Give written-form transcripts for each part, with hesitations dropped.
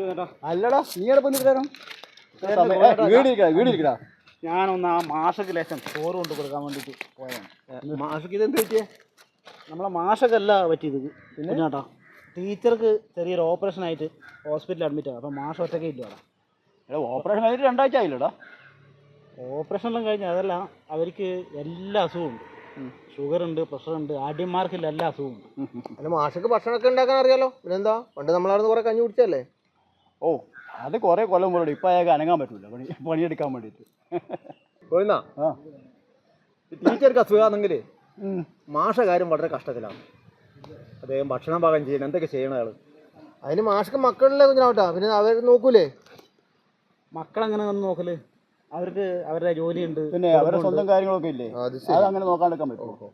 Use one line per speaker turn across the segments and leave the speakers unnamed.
അല്ലടാ നീടെ പൊന്നിട്ടാ
ഞാനൊന്ന് ആ മാഷക്ക് ലേശം ചോറ് കൊണ്ട് കൊടുക്കാൻ വേണ്ടിയിട്ട് പോയാണ്.
മാഷക്ക് ഇതെന്ത് പറ്റിയേ?
നമ്മളെ മാഷക്കല്ല പറ്റിയത് പിന്നെ കേട്ടോ, ടീച്ചർക്ക് ചെറിയൊരു ഓപ്പറേഷൻ ആയിട്ട് ഹോസ്പിറ്റലിൽ അഡ്മിറ്റ് ആണ്. അപ്പം മാഷ് ഒറ്റയ്ക്ക് ഇല്ലടാ.
ഓപ്പറേഷൻ കഴിഞ്ഞിട്ട് 2 ആഴ്ച ആയില്ലടാ.
ഓപ്പറേഷനെല്ലാം കഴിഞ്ഞ് അതല്ല, അവർക്ക് എല്ലാ അസുഖവും ഉണ്ട്. ഷുഗറുണ്ട്, പ്രഷറുണ്ട്, ആദ്യന്മാർക്കില്ല എല്ലാ അസുഖവും ഉണ്ട്.
അല്ല മാഷക്ക് ഭക്ഷണമൊക്കെ ഉണ്ടാക്കാൻ അറിയാലോ, പിന്നെന്താ പണ്ട് നമ്മളവിടുന്ന് കുറെ കഞ്ഞി കുടിച്ചല്ലേ?
ഓ അത് കുറേ കൊല്ലം പോലും ഇപ്പം അയാൾക്ക് അനങ്ങാൻ പറ്റൂല പണിയെടുക്കാൻ വേണ്ടിയിട്ട്.
പോയിന്നാ ടീച്ചർക്ക് അസുഖമാണെങ്കിൽ മാഷ കാര്യം വളരെ കഷ്ടത്തിലാണ്. അദ്ദേഹം ഭക്ഷണം പാകം ചെയ്യണം, എന്തൊക്കെ ചെയ്യണം അയാൾ. അതിന് മാഷക്ക് മക്കളിലെ കുഞ്ഞാവട്ടാ, പിന്നെ അവർ നോക്കൂലേ?
മക്കളെങ്ങനെ വന്ന് നോക്കല്? അവർക്ക് അവരുടെ ജോലിയുണ്ട്,
പിന്നെ അവരുടെ സ്വന്തം കാര്യങ്ങളൊക്കെ ഇല്ലേ, അത് അങ്ങനെ നോക്കാണ്ടിരിക്കാൻ പറ്റുമോ?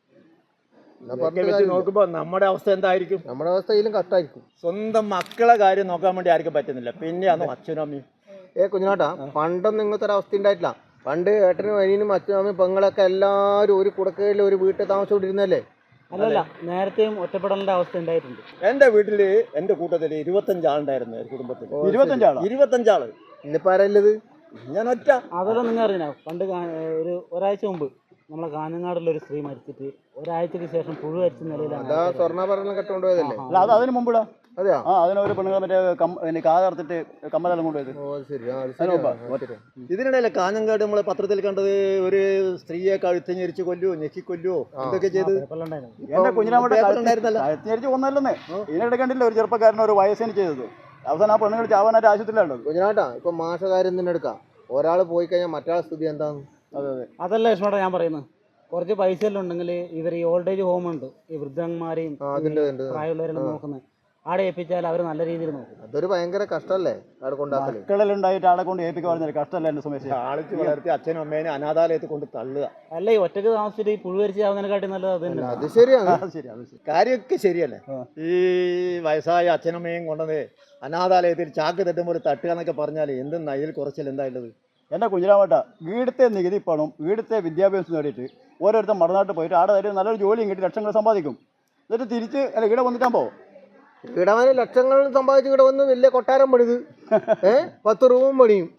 നോക്കുമ്പോ നമ്മുടെ അവസ്ഥ എന്തായിരിക്കും? നമ്മുടെ അവസ്ഥ ഇതിലും കഷ്ടമായിരിക്കും. സ്വന്തം മക്കളെ കാര്യം നോക്കാൻ വേണ്ടി ആർക്കും പറ്റുന്നില്ല, പിന്നെയാണോ അച്ഛനും അമ്മയും? കുഞ്ഞാട്ടാ, പണ്ടൊന്നും ഇങ്ങനത്തെ ഒരു അവസ്ഥ ഉണ്ടായിട്ടില്ല. പണ്ട് ഏട്ടനും അനിയനും അച്ഛനും അമ്മയും പെങ്ങളൊക്കെ എല്ലാവരും ഒരു കുടക്കയിൽ ഒരു വീട്ടിൽ താമസിച്ചുകൊണ്ടിരുന്നല്ലേ?
അല്ലല്ല, നേരത്തെയും ഒറ്റപ്പെടലിന്റെ അവസ്ഥ ഉണ്ടായിട്ടുണ്ട്.
എന്റെ വീട്ടില് എന്റെ കൂട്ടത്തില് 25 ആളുണ്ടായിരുന്നു കുടുംബത്തിൽ. 25 ആള്. ഇന്നിപ്പോ ആരല്ലത്? ഞാൻ ഒറ്റ.
അതെല്ലാം നിങ്ങൾ അറിയണോ? പണ്ട് ഒരാഴ്ച മുമ്പ് നമ്മളെ കാഞ്ഞങ്ങാടുള്ള ഒരു സ്ത്രീ മരിച്ചിട്ട് ഒരാഴ്ചക്ക് ശേഷം പുഴു അരിച്ച നിലയിലാണ്.
സ്വർണ്ണാഭരണം കെട്ടുകൊണ്ടുപോയതല്ലേ?
അല്ല അത് അതിന് മുമ്പിടാ. അതെയാ? അതിനൊരു പെണ്ണുങ്ങൾ മറ്റേ കാതർത്തിട്ട് കമ്മലെല്ലാം കൊണ്ടുപോയത്.
ഇതിനിടയിലെ കാഞ്ഞങ്ങാട് നമ്മളെ പത്രത്തിൽ കണ്ടത് ഒരു സ്ത്രീയെ കഴുത്തഞ്ഞരിച്ച് കൊല്ലുവോ ഞെക്കിക്കൊല്ലുവോ എന്തൊക്കെ ചെയ്ത്
എന്റെ കുഞ്ഞിനാമട്ടെ കഴുത്തഞ്ഞരിച്ച് കൊന്നല്ലെന്നേ. ഇതിനിടെ കണ്ടില്ല ഒരു ചെറുപ്പക്കാരൻ ഒരു വയസ്സിന് ചെയ്തത്. അവസാനം ആ പെണ്ണുങ്ങൾ ചാവാനായിട്ട് ആശുപത്രിയിലുള്ളത്.
കുഞ്ഞിനാട്ടാ, ഇപ്പൊ മാഷകാര്യം തന്നെ എടുക്കാം. ഒരാൾ പോയി കഴിഞ്ഞാൽ മറ്റൊരാൾ സ്ഥിതി എന്താന്ന്?
അതല്ല ലക്ഷ്മണ ഞാൻ പറയുന്നത്. കുറച്ച് പൈസ എല്ലാം ഉണ്ടെങ്കിൽ ഇവർ ഈ ഓൾഡ് ഏജ് ഹോം ഉണ്ട്, ഈ വൃദ്ധന്മാരെയും പ്രായമുള്ളവരെല്ലാം നോക്കുന്നത്, ആടെ ഏൽപ്പിച്ചാൽ അവർ നല്ല രീതിയിൽ നോക്കും.
അതൊരു ഭയങ്കര കഷ്ടല്ലേ അവിടെ കൊണ്ടാക്കല്.
മക്കളിലുണ്ടായിട്ട് ആളെ കൊണ്ട് ഏൽപ്പിക്കാൻ പറഞ്ഞാൽ കഷ്ടമല്ല എന്റെ സമയത്ത്.
ആളിച്ച് വളർത്തി അച്ഛനും അമ്മേനെ അനാഥാലയത്തിൽ കൊണ്ട് തള്ളുക.
അല്ല, ഈ ഒറ്റക്ക് താമസിച്ചിട്ട് ഈ പുഴുവരിച്ച് ആവുന്നതിനെക്കാട്ടി നല്ലത് അത് തന്നെ.
അത് ശരിയാണ്, കാര്യമൊക്കെ ശരിയല്ലേ. ഈ വയസ്സായ അച്ഛനമ്മയും കൊണ്ടത് അനാഥാലയത്തിൽ ചാക്ക് തട്ടുമ്പോൾ തട്ടുക എന്നൊക്കെ പറഞ്ഞാൽ എന്തെന്നാ ഇതിൽ കുറച്ചിൽ എന്തായുള്ളത്?
എൻ്റെ കുഞ്ഞിരാമട്ട, വീടത്തെ നികുതി പണം വീടത്തെ വിദ്യാഭ്യാസം നേടിയിട്ട് ഓരോരുത്തർ മറുനാട്ടിൽ പോയിട്ട് ആടെ നല്ലൊരു ജോലിയും കിട്ടി ലക്ഷങ്ങൾ സമ്പാദിക്കും. എന്നിട്ട് തിരിച്ച് അല്ല ഇവിടെ വന്നിട്ടാകുമ്പോൾ
ഇടവന് ലക്ഷങ്ങൾ സമ്പാദിച്ച് ഇവിടെ വന്ന് വലിയ കൊട്ടാരം പണിത് 10 റൂമും പണിയും.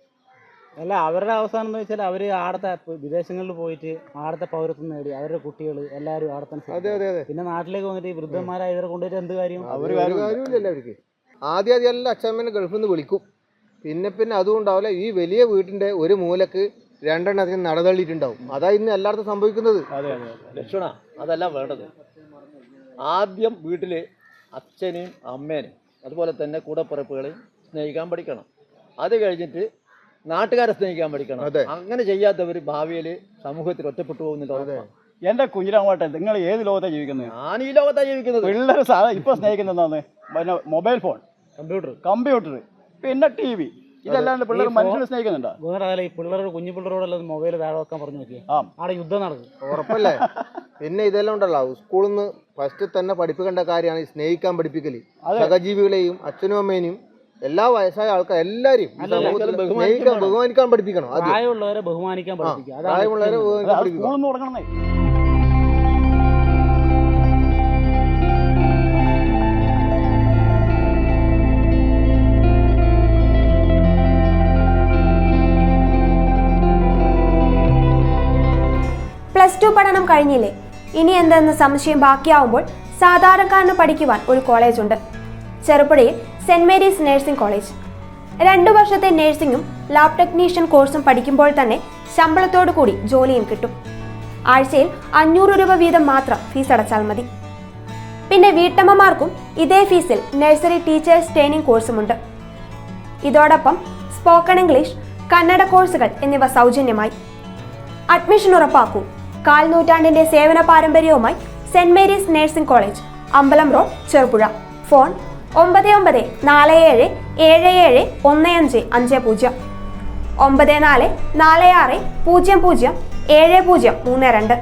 അല്ല, അവരുടെ അവസാനം എന്ന് വെച്ചാൽ അവർ ആടത്തെ വിദേശങ്ങളിൽ പോയിട്ട് ആടത്തെ പൗരത്വം നേടി അവരുടെ കുട്ടികൾ എല്ലാവരും ആടത്തെ. പിന്നെ നാട്ടിലേക്ക് വന്നിട്ട് ഈ വൃദ്ധന്മാരായ ഇവരെ കൊണ്ടുപോയിട്ട് എന്ത് കാര്യം?
കാര്യമില്ലല്ലോ അവർക്ക്. ആദ്യം എല്ലാം അച്ഛമ്മേനെ ഗൾഫിൽ നിന്ന് വിളിക്കും. പിന്നെ അതുകൊണ്ടാവില്ല, ഈ വലിയ വീട്ടിന്റെ ഒരു മൂലക്ക് 2 എണ്ണത്തിന് നടതള്ളിയിട്ടുണ്ടാവും. അതാ ഇന്ന് എല്ലായിടത്തും സംഭവിക്കുന്നത്. ലക്ഷണ അതല്ല വേണ്ടത്. ആദ്യം വീട്ടില് അച്ഛനെയും അമ്മേനെയും അതുപോലെ തന്നെ കൂടപ്പിറപ്പുകളെയും സ്നേഹിക്കാൻ പഠിക്കണം. അത് കഴിഞ്ഞിട്ട് നാട്ടുകാരെ സ്നേഹിക്കാൻ പഠിക്കണം. അങ്ങനെ ചെയ്യാത്തവർ ഭാവിയിൽ സമൂഹത്തിൽ ഒറ്റപ്പെട്ടു പോകുന്നില്ല.
എന്റെ കുഞ്ഞിരാമട്ടെ, നിങ്ങൾ ഏത് ലോകത്താണ് ജീവിക്കുന്നത്?
ഞാൻ ഈ ലോകത്താണ് ജീവിക്കുന്നത്.
പിള്ളേർ ഇപ്പൊ സ്നേഹിക്കുന്നത് പിന്നെ മൊബൈൽ ഫോൺ, കമ്പ്യൂട്ടർ, പിന്നെ TV. ഇതല്ലാണ്ട് പിള്ളേർ മനുഷ്യനെ സ്നേഹിക്കുന്നുണ്ടോ?
വേറെ ഈ പിള്ളേരോട് കുഞ്ഞു പിള്ളേരോടെല്ലാം മൊബൈൽ താഴെ വെക്കാൻ പറഞ്ഞു നോക്കിയാൽ ആടെ യുദ്ധം നടക്കും.
ഉറപ്പല്ലേ? പിന്നെ ഇതെല്ലാം ഉണ്ടല്ലോ, സ്കൂളിൽ നിന്ന് ഫസ്റ്റ് തന്നെ പഠിപ്പിക്കേണ്ട കാര്യമാണ് ഈ സ്നേഹിക്കാൻ പഠിപ്പിക്കല്. സഹജീവികളെയും അച്ഛനും അമ്മേനെയും എല്ലാ വയസ്സായ ആൾക്കാർ എല്ലാവരെയും ബഹുമാനിക്കാൻ പഠിപ്പിക്കണം.
പ്രായമുള്ളവരെ ബഹുമാനിക്കാൻ പഠിപ്പിക്കുക.
പ്രായമുള്ളവരെ ബഹുമാനിക്കാൻ.
+2 പഠനം കഴിഞ്ഞില്ലേ? ഇനി എന്തെന്ന് സംശയം ബാക്കിയാവുമ്പോൾ സാധാരണക്കാരന് പഠിക്കുവാൻ ഒരു കോളേജുണ്ട്. ചെറുപുഴയിൽ സെന്റ് മേരീസ് നഴ്സിംഗ് കോളേജ്. 2 വർഷത്തെ നഴ്സിംഗും ലാബ് ടെക്നീഷ്യൻ കോഴ്സും പഠിക്കുമ്പോൾ തന്നെ ശമ്പളത്തോടു കൂടി ജോലിയും കിട്ടും. ആഴ്ചയിൽ 500 രൂപ വീതം മാത്രം ഫീസ് അടച്ചാൽ മതി. പിന്നെ വീട്ടമ്മമാർക്കും ഇതേ ഫീസിൽ നഴ്സറി ടീച്ചേഴ്സ് ട്രെയിനിങ് കോഴ്സുമുണ്ട്. ഇതോടൊപ്പം സ്പോക്കൺ ഇംഗ്ലീഷ്, കന്നഡ കോഴ്സുകൾ എന്നിവ സൗജന്യമായി. അഡ്മിഷൻ ഉറപ്പാക്കൂ. 1/4 നൂറ്റാണ്ടിന്റെ സേവന പാരമ്പര്യവുമായി സെന്റ് മേരീസ് നഴ്സിംഗ് കോളേജ്, അമ്പലം road, Cherupuzha. Phone 9947771550, 9446007032,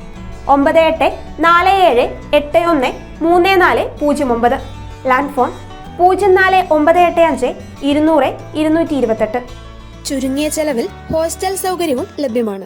9847813409. Land phone 04985 200 228.
ചുരുങ്ങിയ ചെലവിൽ ഹോസ്റ്റൽ സൗകര്യവും ലഭ്യമാണ്.